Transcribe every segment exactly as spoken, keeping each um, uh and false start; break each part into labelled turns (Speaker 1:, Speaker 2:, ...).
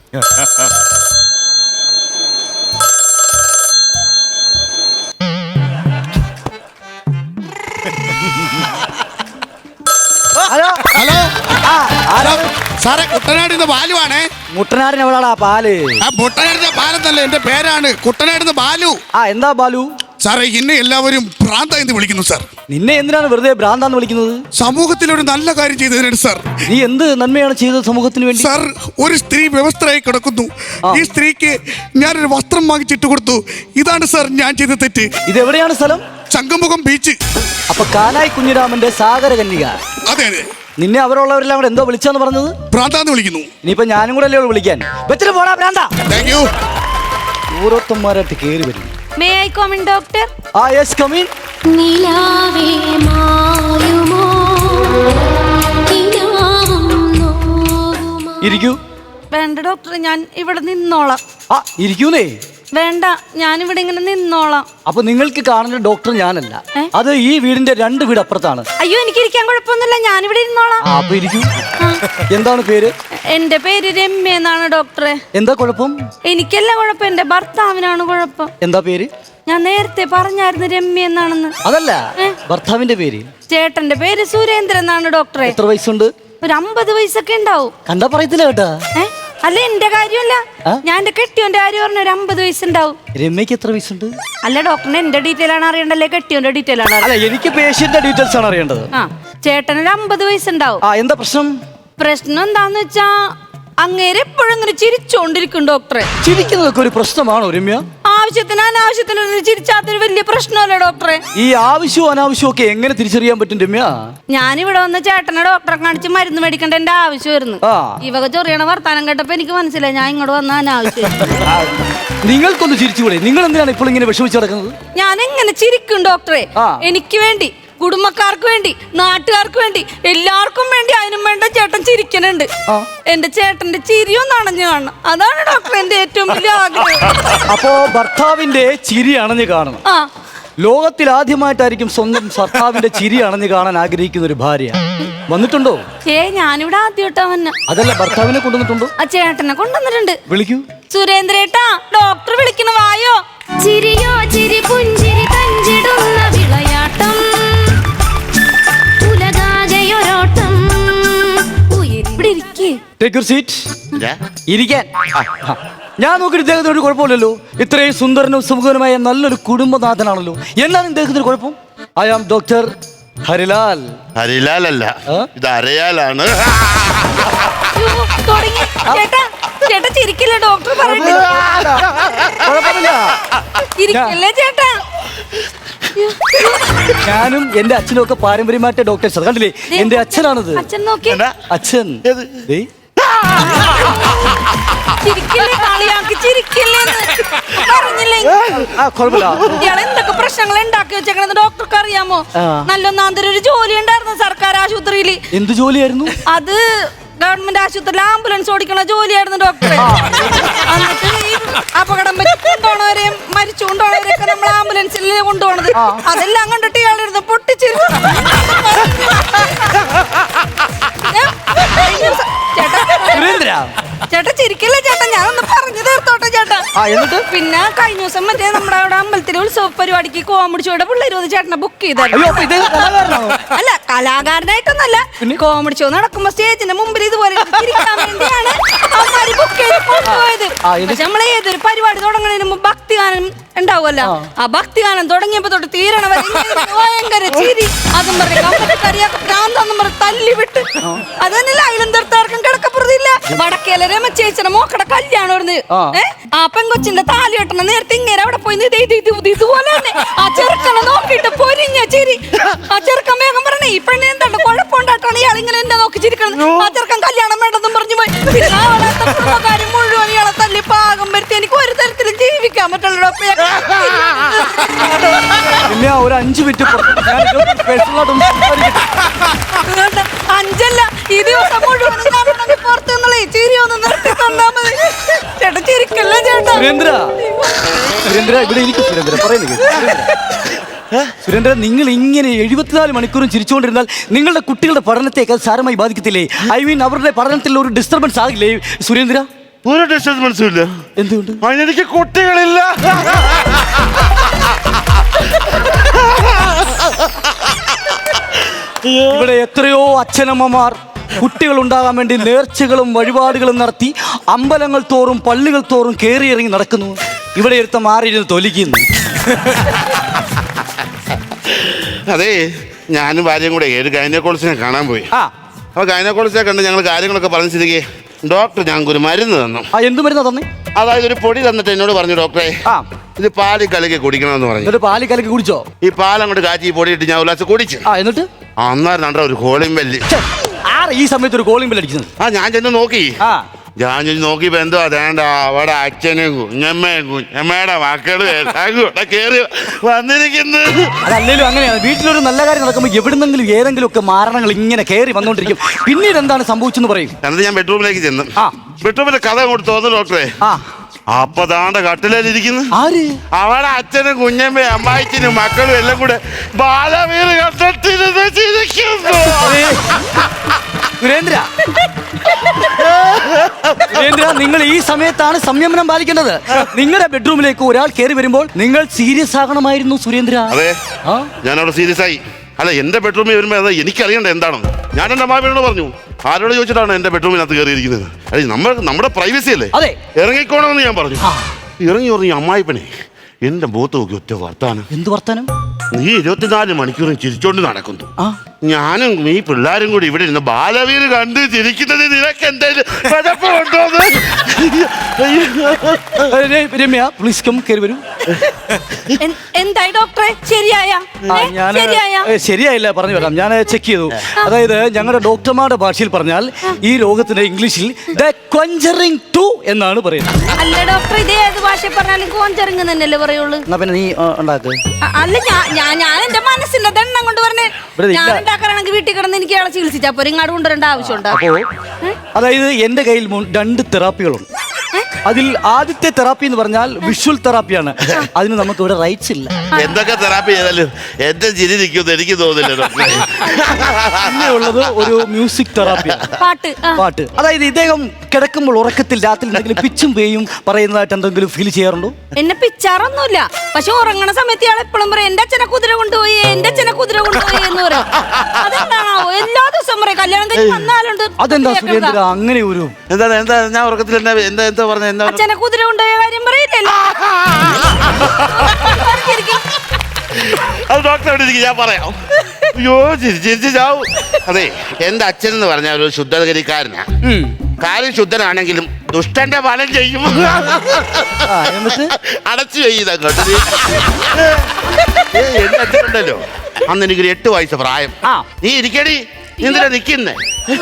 Speaker 1: Hello
Speaker 2: hello സാറേ, കുട്ടനാടിന്ന് ബാലുവാണേ.
Speaker 1: മുട്ടനാടിന് എവിടാടാ പാല്?
Speaker 2: ആ മുട്ടനാടിന്റെ ബാലെന്നല്ലേ എന്റെ പേരാണ്, കുട്ടനാടിന്ന് ബാലു.
Speaker 1: ആ എന്താ ബാലു?
Speaker 2: സാറേ, എന്നെ എല്ലാവരും ഭ്രാന്ത എന്ന് വിളിക്കുന്നു സാർ.
Speaker 1: നിന്നെ എന്തിനാണ് വെറുതെ ഭ്രാന്താന്ന് വിളിക്കുന്നത്?
Speaker 2: സമൂഹത്തിൽ ഒരു നല്ല കാര്യം ചെയ്തതിനാണ് സാർ.
Speaker 1: നീ എന്ത് നന്മയാണ് ചെയ്തത് സമൂഹത്തിന് വേണ്ടി?
Speaker 2: സാർ, ഒരു സ്ത്രീ വ്യവസ്ഥയായി കിടക്കുന്നു. ഈ സ്ത്രീക്ക് ഞാനൊരു വസ്ത്രം വാങ്ങിച്ചിട്ട് കൊടുത്തു. ഇതാണ് സാർ ഞാൻ ചെയ്ത തെറ്റ്.
Speaker 1: ഇതെവിടെയാണ് സ്ഥലം?
Speaker 2: ചങ്കമുഖം ബീച്ച്.
Speaker 1: അപ്പൊ കാനായി കുഞ്ഞിരാമന്റെ സാഗര കന്യക.
Speaker 2: അതെ അതെ.
Speaker 1: നിന്നെ അവരുള്ളവരെല്ലാം കൂടെ എന്തോ വിളിച്ചാന്ന് പറഞ്ഞത്?
Speaker 2: ഭ്രാന്താന്ന് വിളിക്കുന്നു.
Speaker 1: ഇനിയിപ്പൊ ഞാനും കൂടെ അല്ലേ വിളിക്കാൻ? വെച്ചിട്ട് പോടാ ഭ്രാന്ത.
Speaker 2: Thank you.
Speaker 1: ഓരോരുത്തന്മാരായിട്ട് കേറി വരും.
Speaker 3: May I come in doctor?
Speaker 1: ആ യെസ് കം ഇൻ.
Speaker 3: നിലാവേ മായുമോ നിലാവും നോവുമോ?
Speaker 1: ഇരിക്കൂ.
Speaker 3: വേണ്ട ഡോക്ടർ, ഞാൻ ഇവിടെ നിന്നോളാം.
Speaker 1: ആ ഇരിക്കൂന്നേ.
Speaker 3: വേണ്ട, ഞാനിവിടെ ഇങ്ങനെ നിന്നോളാം.
Speaker 1: അപ്പൊ നിങ്ങൾക്ക് കാണുന്ന ഡോക്ടർ ഞാനല്ല, അത് ഈ വീടിന്റെ രണ്ട് വീട് അപ്പുറത്താണ്.
Speaker 3: അയ്യോ, എനിക്ക് ഇരിക്കാൻ കുഴപ്പമൊന്നുമില്ല, ഞാനിവിടെ ഇരുന്നോളാം.
Speaker 1: ആ അപ്പൊ ഇരിക്കൂ. എന്താണ് പേര്?
Speaker 3: എന്റെ പേര് രമ്യ എന്നാണ് ഡോക്ടറെ.
Speaker 1: എന്താ കുഴപ്പം?
Speaker 3: എനിക്കല്ല കുഴപ്പം, എന്റെ ഭർത്താവിനാണ് കുഴപ്പം.
Speaker 1: എന്താ പേര്?
Speaker 3: ഞാൻ നേരത്തെ പറഞ്ഞായിരുന്നു രമ്യ എന്നാണെന്ന്.
Speaker 1: അതല്ല, ഭർത്താവിന്റെ പേര്.
Speaker 3: ചേട്ടന്റെ പേര് സുരേന്ദ്രൻ എന്നാണ് ഡോക്ടറെ.
Speaker 1: എത്ര വയസ്സുണ്ട്?
Speaker 3: ഒരു അമ്പത് വയസ്സൊക്കെ ഉണ്ടാവും.
Speaker 1: കണ്ടാ പറയത്തില്ല കേട്ടാ.
Speaker 3: അല്ല, എന്റെ കാര്യമല്ല, ഞാൻ എന്റെ കെട്ടിയോന്റെ കാര്യം പറഞ്ഞ ഒരു അമ്പത് വയസ്സുണ്ടാവും.
Speaker 1: രമ്യക്ക് എത്ര വയസ്സുണ്ട്?
Speaker 3: അല്ല ഡോക്ടറിന് എന്റെ ഡീറ്റെയിൽ ആണ് അറിയണ്ടല്ലേ, കെട്ടിയോന്റെ ഡീറ്റെയിൽ ആണ്?
Speaker 1: അല്ല, എനിക്ക് പേഷ്യന്റിന്റെ ഡീറ്റെയിൽസ് ആണ് അറിയേണ്ടത്.
Speaker 3: ആ, ചേട്ടനൊരു അമ്പത് വയസ്സുണ്ടാവും.
Speaker 1: ആ എന്താ പ്രശ്നം?
Speaker 3: പ്രശ്നം എന്താന്ന് വെച്ചാ അങ്ങേര് എപ്പോഴും ഇങ്ങനെ ചിരിച്ചോണ്ടിരിക്കും ഡോക്ടറെ.
Speaker 1: ചിരിക്കുന്നതൊക്കെ ഒരു പ്രശ്നമാണോ രമ്യ?
Speaker 3: ആവശ്യത്തിന് അനാവശ്യത്തിന് ചിരിച്ചാത്തൊരു വലിയ പ്രശ്നമല്ലേ ഡോക്ടറെ?
Speaker 1: ഈ ആവശ്യവും അനാവശ്യവും ഒക്കെ എങ്ങനെ തിരിച്ചറിയാൻ പറ്റും രമ്യ?
Speaker 3: ഞാനിവിടെ വന്ന് ചേട്ടനെ ഡോക്ടറെ കാണിച്ച് മരുന്ന് മേടിക്കേണ്ട എന്റെ ആവശ്യമായിരുന്നു. ഈ വക ചൊറിയണ വർത്താനം കേട്ടപ്പോ എനിക്ക് മനസ്സിലായി ഞാൻ ഇങ്ങോട്ട് വന്ന അനാവശ്യം.
Speaker 1: നിങ്ങൾക്കൊന്ന് ചിരിച്ചുകൂടെ? നിങ്ങൾ എന്തിനാണ് ഇപ്പോൾ ഇങ്ങനെ വിഷമിച്ച് കിടക്കുന്നത്?
Speaker 3: ഞാൻ എങ്ങനെ ചിരിക്കും ഡോക്ടറെ? എനിക്ക് വേണ്ടി, കുടുംബക്കാർക്ക് വേണ്ടി, നാട്ടുകാർക്ക് വേണ്ടി, എല്ലാവർക്കും വേണ്ടി അതിനും വേണ്ട ചേട്ടൻ ചിരിക്കുന്നുണ്ട്. എന്റെ ചേട്ടന്റെ ചിരിയൊന്നും അണഞ്ഞു കാണണം, അതാണ് ഡോക്ടർ എന്റെ ഏറ്റവും വലിയ ആഗ്രഹം.
Speaker 1: അപ്പോ ഭർത്താവിന്റെ ചിരി അണഞ്ഞു കാണണം.
Speaker 3: ആ,
Speaker 1: ലോകത്തിൽ ആദ്യമായിട്ടായിരിക്കും സ്വന്തം ഭർത്താവിന്റെ ചിരി അണഞ്ഞു കാണാൻ ആഗ്രഹിക്കുന്ന ഒരു ഭാര്യ. വന്നിട്ടുണ്ടോ?
Speaker 3: ഏ ഞാനിവിടെ ആദ്യമായിട്ടാ വന്നെ.
Speaker 1: അതല്ല, ഭർത്താവിനെ കൊണ്ടുവന്നിട്ടുണ്ടോ?
Speaker 3: ആ ചേട്ടനെ കൊണ്ടുവന്നിട്ടുണ്ട്.
Speaker 1: വിളിക്കൂ.
Speaker 3: സുരേന്ദ്രേട്ടാ, ഡോക്ടർ വിളിക്കണ വായോ. ചിരിയോ ചിരി പുഞ്ചിരി തഞ്ചിടുന്ന വിളയാട്ടം, ഉലകാകയൊരോട്ടം. ഇവിടെ ഇരിക്കേ.
Speaker 1: Take your seat. ഇരിക്കാൻ. ഞാൻ നോക്കിയിട്ട് ഇദ്ദേഹത്തിന് ഒരു കുഴപ്പമില്ലല്ലോ. ഇത്രയും സുന്ദരനും സുമുഖനുമായ നല്ലൊരു കുടുംബനാഥനാണല്ലോ. എന്താണ് ഇദ്ദേഹത്തിന് കുഴപ്പം? I am doctor Harilal.
Speaker 4: Harilal അല്ല, ഇത് അരയാലാണ്.
Speaker 3: തുടങ്ങി. ചേട്ടാ ചേട്ടാ ചിരിക്കില്ല, ഡോക്ടർ പറയുന്നില്ല. ഇരിക്കല്ലേ ചേട്ടാ.
Speaker 1: ഞാനും എന്റെ അച്ഛനും ഒക്കെ പാരമ്പര്യമായിട്ട് ഡോക്ടേഴ്സ്. കണ്ടില്ലേ, എന്റെ അച്ഛനാണത്.
Speaker 3: അച്ഛൻ നോക്കി.
Speaker 1: അച്ഛൻ
Speaker 3: ചിരിക്കില്ലേ, കളിയാക്കി ചിരിക്കില്ലേ പറഞ്ഞില്ലേ? ഇയാളെ എന്തൊക്കെ പ്രശ്നങ്ങൾ ഉണ്ടാക്കി വെച്ചേക്കണെന്ന് ഡോക്ടർക്ക് അറിയാമോ? നല്ലൊന്നാന്തരം ഒരു ജോലി ഉണ്ടായിരുന്നു സർക്കാർ ആശുപത്രിയിൽ.
Speaker 1: എന്ത് ജോലിയായിരുന്നു
Speaker 3: അത്? ഗവൺമെന്റ് ആശുപത്രിയിൽ ആംബുലൻസ് ഓടിക്കണ ജോലിയായിരുന്നു ഡോക്ടറെ. എന്നിട്ട് ഈ അപകടം കൊണ്ടുപോണവരെയും മരിച്ചു കൊണ്ടുപോണവരെയൊക്കെ നമ്മൾ ആംബുലൻസിൽ കൊണ്ടുപോണത്, അതെല്ലാം കണ്ടിട്ട് ഇയാളിരുന്ന് പൊട്ടിച്ചിരുന്നു. ചേട്ടാ ചിരിക്കല്ലേ ചേട്ടാ, ഞാനൊന്ന് പറഞ്ഞു തീർത്തോട്ടെ ചേട്ടാ. പിന്നെ കഴിഞ്ഞ ദിവസം മറ്റേ നമ്മുടെ അവിടെ അമ്പലത്തിലെ ഉത്സവ പരിപാടിക്ക് കോമഡി ഷോയുടെ പിള്ളേർ വന്ന് ചേട്ടനെ ബുക്ക് ചെയ്തായിരുന്നു. അല്ല, കലാകാരനായിട്ടൊന്നല്ല, കോമഡി ഷോ നടക്കുമ്പോ സ്റ്റേജിന്റെ മുമ്പിൽ ഇതുപോലെ ചിരിക്കാൻ വേണ്ടിയാണ് അവന്മാര് ബുക്ക് ചെയ്ത് കൊണ്ടുപോയത്. പക്ഷെ നമ്മളെ ഏതൊരു പരിപാടി തുടങ്ങുന്നതിന് മുമ്പ് ഭക്തിഗാനം ഉണ്ടാവുമല്ലോ, ആ ഭക്തിഗാനം തുടങ്ങിയപ്പോ തൊട്ട് തീരണവരെ ഭയങ്കര ചിരി. അതും പറഞ്ഞ ഭ്രാന്തെന്നും പറഞ്ഞ് തല്ലി വിട്ട്. അത് തന്നെയല്ല, അതിലും തീർത്താർക്കും കിടക്കപ്പുറത്തില്ല. വടക്കേല രമചേച്ചിയുടെ മോക്കടെ കല്യാണം. ഏഹ് ആ പെങ്കൊച്ചിന്റെ താലി കെട്ടണ നേരത്തെ ഇങ്ങനെ അവിടെ പോയി ഇതുപോലെ തന്നെ ആ ചെറുക്കനെ നോക്കിയിട്ട് പൊരിഞ്ഞ ചിരി. ആ ചെറുക്കൻ വേഗം പറഞ്ഞേ, ഈ പെണ്ണെ എന്താണ് കുഴപ്പമുണ്ടായിട്ടാണ് ഇയാൾ ഇങ്ങനെ എന്നെ നോക്കി ചിരിക്കണം. ആ ചെറുക്കൻ കല്യാണം വേണ്ടെന്നും പറഞ്ഞു പോയി. കുടുംബക്കാരും മുഴുവൻ ഇയാളെ തല്ലി പാകം വരുത്തി. എനിക്ക് ഒരു തരത്തിലും ജീവിക്കാൻ പറ്റുള്ളൂ.
Speaker 1: ഒരു അഞ്ചു മിനിറ്റ്
Speaker 3: അഞ്ചല്ല, ഈ ദിവസം മുഴുവൻ പുറത്തു നിന്നുള്ള ചിരി ഒന്ന് നിർത്തി തന്നാ മതി. ചേട്ടാ ചിരിക്കല്ലേ ചേട്ടാ.
Speaker 1: സുരേന്ദ്ര, സുരേന്ദ്ര ഇവിടെ ഇരിക്കും. സുരേന്ദ്ര പറയുന്നത് സുരേന്ദ്ര, നിങ്ങൾ ഇങ്ങനെ എഴുപത്തിനാല് മണിക്കൂറും ചിരിച്ചുകൊണ്ടിരുന്നാൽ നിങ്ങളുടെ കുട്ടികളുടെ പഠനത്തെ അത് സാരമായി ബാധിക്കത്തില്ലേ? ഐ മീൻ അവരുടെ പഠനത്തിൽ ഒരു ഡിസ്റ്റർബൻസ് ആകില്ലേ സുരേന്ദ്ര?
Speaker 4: ഒരു ഡിസ്റ്റർബൻസും ഇല്ല.
Speaker 1: എന്തുകൊണ്ട്?
Speaker 4: അതിനെനിക്ക് കുട്ടികളില്ല.
Speaker 1: ഇവിടെ എത്രയോ അച്ഛനമ്മമാർ കുട്ടികൾ ഉണ്ടാകാൻ വേണ്ടി നേർച്ചകളും വഴിപാടുകളും നടത്തി അമ്പലങ്ങൾ തോറും പള്ളികൾ തോറും കയറി ഇറങ്ങി നടക്കുന്നു. ഇവിടെ എടുത്ത മാറിയിരുന്ന് തൊലിക്കുന്നു.
Speaker 4: അതെ, ഞാനും ഭാര്യയും കൂടെ ഒരു ഗൈനക്കോളജിനെ കാണാൻ പോയി.
Speaker 1: ആ
Speaker 4: അപ്പൊ ഗൈനക്കോളജിനെ കണ്ട് ഞങ്ങൾ കാര്യങ്ങളൊക്കെ പറഞ്ഞു സ്ഥിതിക്ക് ഡോക്ടർ ഞങ്ങൾക്ക് ഒരു മരുന്ന് തന്നു.
Speaker 1: ആ എന്ത് മരുന്നാ തന്നെ?
Speaker 4: അതായത് ഒരു പൊടി തന്നിട്ട് എന്നോട് പറഞ്ഞു, ഡോക്ടറെ
Speaker 1: ആ
Speaker 4: ഇത് പാല് കലക്കി കുടിക്കണമെന്ന് പറഞ്ഞു.
Speaker 1: എന്നിട്ട് പാല് കലക്കി കുടിച്ചോ?
Speaker 4: ഈ പാൽ അങ്ങോട്ട് കാച്ചി ഈ പൊടി ഇട്ട് ഞാൻ ഉല്ലാസ് കുടിച്ചു.
Speaker 1: ആ എന്നിട്ട്
Speaker 4: അന്നേരം കണ്ട ഒരു കോളിംഗ് ബെല്ല്.
Speaker 1: ആറ് ഈ സമയത്ത് ഒരു കോളിംഗ് ബെൽ അടിക്കുന്നത്?
Speaker 4: ആ ഞാൻ ചെന്ന് നോക്കി.
Speaker 1: ആ
Speaker 4: ഞാൻ ചെന്ന് നോക്കിയപ്പോ എന്തോ അതേണ്ട അവിടെ അച്ഛനും കുഞ്ഞമ്മയും കുഞ്ഞമ്മയുടെ മക്കളും എല്ലാം കൂടെ കേറി വന്നിരിക്കുന്നു.
Speaker 1: അതല്ലേലും അങ്ങനെയാണ്. വീട്ടിലൊരു നല്ല കാര്യം നടക്കുമ്പോൾ എവിടുന്നെങ്കിലും ഏതെങ്കിലും ഒക്കെ മാരണങ്ങൾ ഇങ്ങനെ കയറി വന്നോണ്ടിരിക്കും. പിന്നീട് എന്താണ് സംഭവിച്ചെന്ന് പറയും.
Speaker 4: എന്നിട്ട് ഞാൻ ബെഡ്റൂമിലേക്ക് ചെന്നു.
Speaker 1: ആ
Speaker 4: ബെഡ്റൂമിലെ കഥ അങ്ങോട്ട് തോന്നുന്നു ഡോക്ടറെ.
Speaker 1: ആ
Speaker 4: അപ്പൊ താണ്ട കട്ടിലേലിരിക്കുന്നു.
Speaker 1: ആര്?
Speaker 4: അവിടെ അച്ഛനും കുഞ്ഞമ്മയും അമ്മായിച്ചനും മക്കളും എല്ലാം കൂടെ ബാലവീർ കണ്ടിരുന്ന് ചിരിക്കുന്നു.
Speaker 1: സുരേന്ദ്ര സുരേന്ദ്ര നിങ്ങൾ ഈ സമയത്താണ് സംയമനം പാലിക്കേണ്ടത്. നിങ്ങളുടെ ബെഡ്റൂമിലേക്ക് ഒരാൾ കയറി വരുമ്പോൾ നിങ്ങൾ സീരിയസ് ആകണമായിരുന്നു സുരേന്ദ്ര.
Speaker 4: അതെ,
Speaker 1: ആ
Speaker 4: ഞാനവിടെ സീരിയസ് ആയി. അല്ല, എന്റെ ബെഡ്റൂമിൽ വരുമ്പോ അത് എനിക്കറിയണ്ട എന്താണെന്ന്. ഞാൻ എന്റെ അമ്മാവിനോട് പറഞ്ഞു, ആരോട് ചോദിച്ചിട്ടാണ് എന്റെ ബെഡ്റൂമിനകത്ത് കയറിയിരിക്കുന്നത്? അതെ, നമ്മൾ നമ്മുടെ പ്രൈവസി അല്ലേ,
Speaker 1: അതെ.
Speaker 4: ഇറങ്ങിക്കോണമെന്ന് ഞാൻ പറഞ്ഞു.
Speaker 1: ആ.
Speaker 4: ഇറങ്ങി പറഞ്ഞു അമ്മായിപ്പനെ എന്റെ മുഖത്ത് നോക്കി ഒറ്റ വർത്താനം.
Speaker 1: എന്ത് വർത്താനം?
Speaker 4: നീ ഇരുപത്തിനാല് മണിക്കൂറും ചിരിച്ചോണ്ട് നടക്കുന്നു.
Speaker 1: ആ
Speaker 4: ഞാനും ഈ പിള്ളേരും കൂടി ഇവിടെ ഇരുന്ന് ബാലവീർ കണ്ട് ചിരിക്കുന്നത് നിനക്ക് എന്തായാലും കുഴപ്പമുണ്ടോന്ന്?
Speaker 1: രമ്യ പ്ലീസ് കം കയറി വരൂ.
Speaker 3: എൻ- എന്തായി ഡോക്ടറെ? ശരിയായ
Speaker 1: ആ, ഞാന്
Speaker 3: ശരിയായ
Speaker 1: ഏ, ശരിയായില്ല, പറഞ്ഞു വരാം. ഞാൻ ചെക്ക് ചെയ്തു. അതായത് ഞങ്ങളുടെ ഡോക്ടർമാരുടെ ഭാഷയിൽ പറഞ്ഞാൽ ഈ രോഗത്തിന് ഇംഗ്ലീഷിൽ ദ കോഞ്ചറിങ് ടു എന്നാണ് പറയുന്നത്.
Speaker 3: അല്ല ഡോക്ടർ, ഇത് ഏത് ഭാഷ പറഞ്ഞാലും കോഞ്ചറിങ് തന്നെയല്ലേ പറയുള്ളൂ?
Speaker 1: എന്നാ പിന്നെ നീ ആ, ഉണ്ടാക്ക്.
Speaker 3: അ- അല്ല ഞാൻ ഞാൻ ഞാൻ എന്റെ മനസ്സിന്റെ ദണ്ണം കൊണ്ട് പറഞ്ഞേ.
Speaker 1: ഇവിടെ ഇല്ല.
Speaker 3: ഞാൻ ഉണ്ടാക്കാനാണെങ്കിൽ വീട്ടിൽ കിടന്ന് എനിക്ക് ഇയാളെ ചികിത്സിച്ചാ പോരെ, ഇങ്ങാട് കൊണ്ടുവരേണ്ട ആവശ്യമുണ്ടോ?
Speaker 1: അപ്പോ അതായത് എന്റെ കയ്യിൽ മു- രണ്ട് തെറാപ്പികളുണ്ട്. അതിൽ ആദ്യത്തെ തെറാപ്പി എന്ന് പറഞ്ഞാൽ വിഷ്വൽ തെറാപ്പിയാണ്. അതിന് നമുക്ക് ഇവിടെ റൈറ്റ്സ് ഇല്ല.
Speaker 4: എന്തൊക്കെ തെറാപ്പി ചെയ്താലും എന്റെ ചിരി നിൽക്കുമെന്ന് എനിക്ക് തോന്നുന്നില്ല ഡോക്ടറെ.
Speaker 1: പിന്നെ ഉള്ളത് ഒരു മ്യൂസിക് തെറാപ്പിയാണ്.
Speaker 3: പാട്ട് ആ.
Speaker 1: പാട്ട്. അതായത് ഇദ്ദേഹം കിടക്കുമ്പോൾ ഉറക്കത്തിൽ രാത്രി എന്തെങ്കിലും പിച്ചും പേയും പറയുന്നതായിട്ട് എന്തെങ്കിലും ഫീൽ ചെയ്യാറുണ്ടോ?
Speaker 3: എന്നെ പിച്ചാറൊന്നുമില്ല, പക്ഷെ ഉറങ്ങണ സമയത്ത് ഇയാൾ എപ്പോഴും പറയും എന്റെ അച്ഛനെ കുതിര കൊണ്ടുപോയി, എന്റെ അച്ഛനെ കുതിര കൊണ്ടുപോയി എന്ന് പറയും. അതെന്താണാവോ എല്ലാ ദിവസവും പറയും. കല്യാണം കഴിഞ്ഞ് വന്നാലുണ്ട്.
Speaker 1: അതെന്താ സുരേന്ദ്ര അങ്ങനെ ഒരു
Speaker 4: എന്താ എന്താ ഞാൻ ഉറക്കത്തിൽ എന്താ എന്താ എന്താ പറഞ്ഞ എന്താ പറഞ്ഞെ?
Speaker 3: അച്ഛനെ കുതിര കൊണ്ടുപോയ കാര്യം പറയില്ലല്ലോ.
Speaker 4: അത് ഡോക്ടർ എവിടെ ഇരിക്കും, ഞാൻ പറയാം. അയ്യോ ചിരി ചിരിച്ച് ചാവും. അതെ, എന്റെ അച്ഛൻ എന്ന് പറഞ്ഞ ഒരു ശുദ്ധഗതിക്കാരനാ.
Speaker 1: ഉം.
Speaker 4: കാര്യം ശുദ്ധനാണെങ്കിലും ദുഷ്ടന്റെ ഫലം ചെയ്യും.
Speaker 1: ആ, എന്നിട്ട്
Speaker 4: അടച്ചു ചെയ്തങ്ങോട്ട്. എന്റെ അച്ഛനുണ്ടല്ലോ, അന്ന് എനിക്കൊരു എട്ട് വയസ്സ് പ്രായം.
Speaker 1: ആ.
Speaker 4: നീ ഇരിക്കടി, നീ എന്തിനാ നിക്കുന്നേ?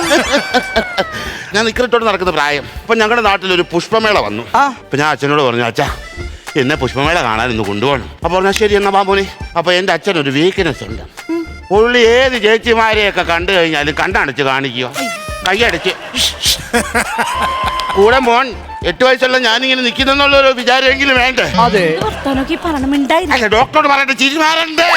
Speaker 4: ഞാൻ നിക്കറിട്ടോട് നടക്കുന്ന പ്രായം. അപ്പൊ ഞങ്ങളുടെ നാട്ടിൽ ഒരു പുഷ്പമേള വന്നു.
Speaker 1: ആ.
Speaker 4: അപ്പൊ ഞാൻ അച്ഛനോട് പറഞ്ഞു, അച്ഛാ എന്നെ പുഷ്പമേള കാണാൻ ഇന്ന് കൊണ്ടുപോകണം. അപ്പൊ പറഞ്ഞാൽ ശരി എന്നാ ബാബുനെ. അപ്പൊ എന്റെ അച്ഛൻ ഒരു വീക്ക്നെസ് ഉണ്ട്. പുള്ളി ഏത് ചേച്ചിമാരെയൊക്കെ കണ്ടു കഴിഞ്ഞാലും കണ്ടടച്ച് കാണിക്കുക, കൈയടച്ച്. കൂടെ മോൻ എട്ട് വയസ്സുള്ള ഞാനിങ്ങനെ നിൽക്കുന്നുള്ളൊരു വിചാരമെങ്കിലും വേണ്ടേ?
Speaker 1: അതെ.
Speaker 3: വർത്താനൊക്കെ പറയണമിണ്ടായിരുന്നു.
Speaker 4: അല്ല, ഡോക്ടറോട് പറയട്ടെ, ചിരിമാരണ്ടേ?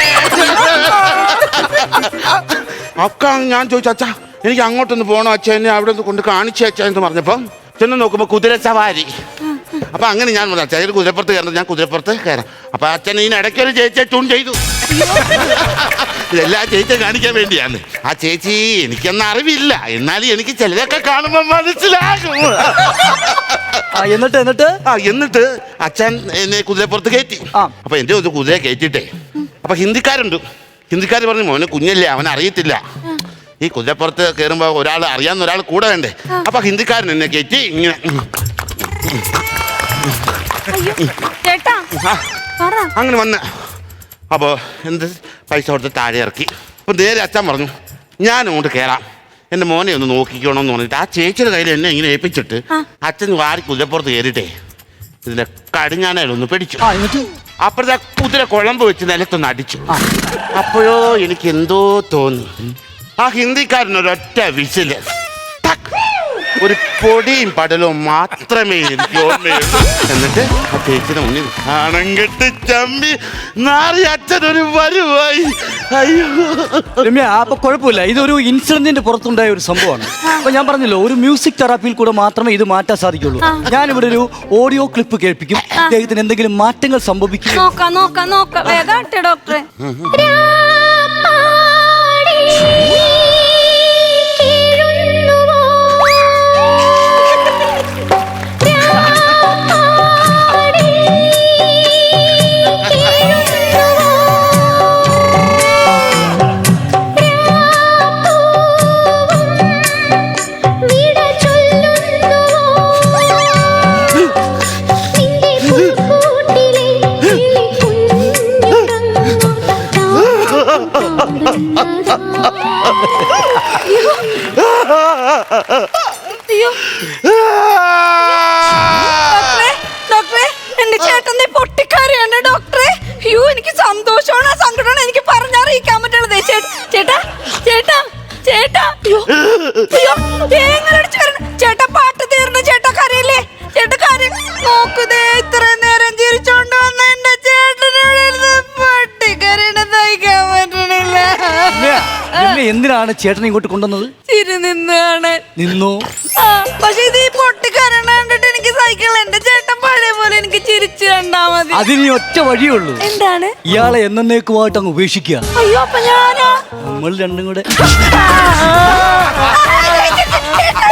Speaker 4: അക്ക ഞാൻ ചോദിച്ചു, അച്ഛാ എനിക്ക് അങ്ങോട്ടൊന്ന് പോകണോ അച്ഛൻ, എന്നെ അവിടെ ഒന്ന് കൊണ്ട് കാണിച്ചു അച്ഛൻ എന്ന് പറഞ്ഞപ്പം ചെന്ന് നോക്കുമ്പോ കുതിര സവാരി. അപ്പൊ അങ്ങനെ ഞാൻ പറഞ്ഞു, അച്ഛൻ ഒരു കുതിരപ്പുറത്ത് കയറുന്നത്, ഞാൻ കുതിരപ്പുറത്ത് കയറാം. അപ്പൊ അച്ഛൻ ഇതിന് ഇടയ്ക്കൊരു ചേച്ചിയെ ട്യൂൺ ചെയ്തു. ഇതെല്ലാം ചേച്ചിയെ കാണിക്കാൻ വേണ്ടിയാണ്. ആ ചേച്ചി എനിക്കൊന്നും അറിവില്ല, എന്നാലും എനിക്ക് ചിലതൊക്കെ കാണുമ്പോ മനസ്സിലാകും.
Speaker 1: ആ, എന്നിട്ട് എന്നിട്ട്
Speaker 4: ആ എന്നിട്ട് അച്ഛൻ എന്നെ കുതിരപ്പുറത്ത് കയറ്റി.
Speaker 1: ആ.
Speaker 4: അപ്പൊ എന്റെ ഒരു കുതിര കയറ്റിട്ടേ, അപ്പൊ ഹിന്ദിക്കാരുണ്ട്. ഹിന്ദിക്കാർ പറഞ്ഞു, മോനെ കുഞ്ഞല്ലേ, അവൻ അറിയത്തില്ല. ഈ കുതിരപ്പുറത്ത് കയറുമ്പോ ഒരാൾ അറിയാവുന്ന ഒരാൾ കൂടെ വേണ്ടേ? അപ്പൊ ഹിന്ദിക്കാരൻ എന്നെ കയറ്റി ഇങ്ങനെ.
Speaker 3: അയ്യോ, ചേട്ടാ
Speaker 4: ആ,
Speaker 3: പറ.
Speaker 4: അങ്ങനെ വന്ന് അപ്പോ എന്ത് പൈസ കൊടുത്ത് താഴെ ഇറക്കി. അപ്പൊ നേരെ അച്ഛൻ പറഞ്ഞു, ഞാൻ അങ്ങോട്ട് കയറാം, എന്റെ മോനെ ഒന്ന് നോക്കിക്കോണമെന്ന് പറഞ്ഞിട്ട് ആ ചേച്ചിയുടെ കയ്യിൽ എന്നെ ഇങ്ങനെ ഏൽപ്പിച്ചിട്ട് അച്ഛൻ വാരി കുതിരപ്പുറത്ത് കയറിയിട്ടേ ഇതിന്റെ കടിഞ്ഞാനൊന്ന് പിടിച്ചു.
Speaker 1: ആ, എന്നിട്ട്
Speaker 4: അപ്പഴത്തെ കുതിര കുഴമ്പ് വെച്ച് നിലത്തൊന്ന് അടിച്ചു. അപ്പോഴോ എനിക്ക് എന്തോ തോന്നി. ആ ഹിന്ദിക്കാരനൊരൊറ്റ വിസില്. ടക്ക്. ഒരു പൊടിയും പടലവും മാത്രമേ എനിക്ക് ഓർമ്മയുള്ളൂ. എന്നിട്ട് ആ ചേച്ചിയുടെ മുന്നിൽ നാണം കെട്ട് ചമ്പി നാറി അച്ഛൻ ഒരു വരുവായി. അയ്യോ
Speaker 1: രമ്യ, അപ്പൊ കുഴപ്പമില്ല, ഇതൊരു ഇൻസിഡന്റിന്റെ പുറത്തുണ്ടായ ഒരു സംഭവമാണ്. അപ്പൊ ഞാൻ പറഞ്ഞല്ലോ, ഒരു മ്യൂസിക് തെറാപ്പിയിൽ കൂടെ മാത്രമേ ഇത് മാറ്റാൻ സാധിക്കുള്ളൂ. ഞാനിവിടെ ഒരു ഓഡിയോ ക്ലിപ്പ് കേൾപ്പിക്കും, അദ്ദേഹത്തിന് എന്തെങ്കിലും മാറ്റങ്ങൾ സംഭവിക്കും.
Speaker 3: നോക്കാം നോക്കാം നോക്കാം, വേഗം ഡോക്ടറെ. ഡോക്ടറെ, എന്റെ ചേട്ടന്റെ പൊട്ടിക്കാരിയാണ് ഡോക്ടറെ. അയ്യോ, എനിക്ക് സന്തോഷമാണ് സങ്കടമാണ് എനിക്ക് പറഞ്ഞറിയിക്കാൻ പറ്റുള്ളത്. ചേട്ടാ ചേട്ടാ ചേട്ടാ അയ്യോ അയ്യോ എങ്ങനെ ചേട്ടാ, പാട്ട് തീർന്നു ചേട്ടാ, കരയില്ലേ ചേട്ടാ, കര നോക്കുതേ. ഇത്രയും നേരം ചിരിച്ചോണ്ട് വന്ന എന്റെ ചേട്ടനോട് പൊട്ടിക്കരയണ സഹിക്കാൻ പറ്റണില്ല.
Speaker 1: എന്തിനാണ് ചേട്ടനെ ഇങ്ങോട്ട് കൊണ്ടുവന്നത്?
Speaker 3: ചിരി നിന്നാണ്
Speaker 1: നിന്നു.
Speaker 3: ആ, പക്ഷെ ഇത് ഈ പൊട്ടിക്കരണ കണ്ടിട്ട് എനിക്ക് സഹിക്കില്ല. എന്റെ ചേട്ടൻ പഴയ പോലെ എനിക്ക് ചിരിച്ചു കണ്ടാ മതി.
Speaker 1: അതിന് ഒറ്റ വഴിയുള്ളൂ.
Speaker 3: എന്താണ്?
Speaker 1: ഇയാളെ എന്നേക്കുമായിട്ട് അങ്ങ് ഉപേക്ഷിക്കുക.
Speaker 3: അയ്യോ, അപ്പൊ ഞാനാ?
Speaker 1: നമ്മൾ രണ്ടും കൂടെ
Speaker 3: ചേട്ടാ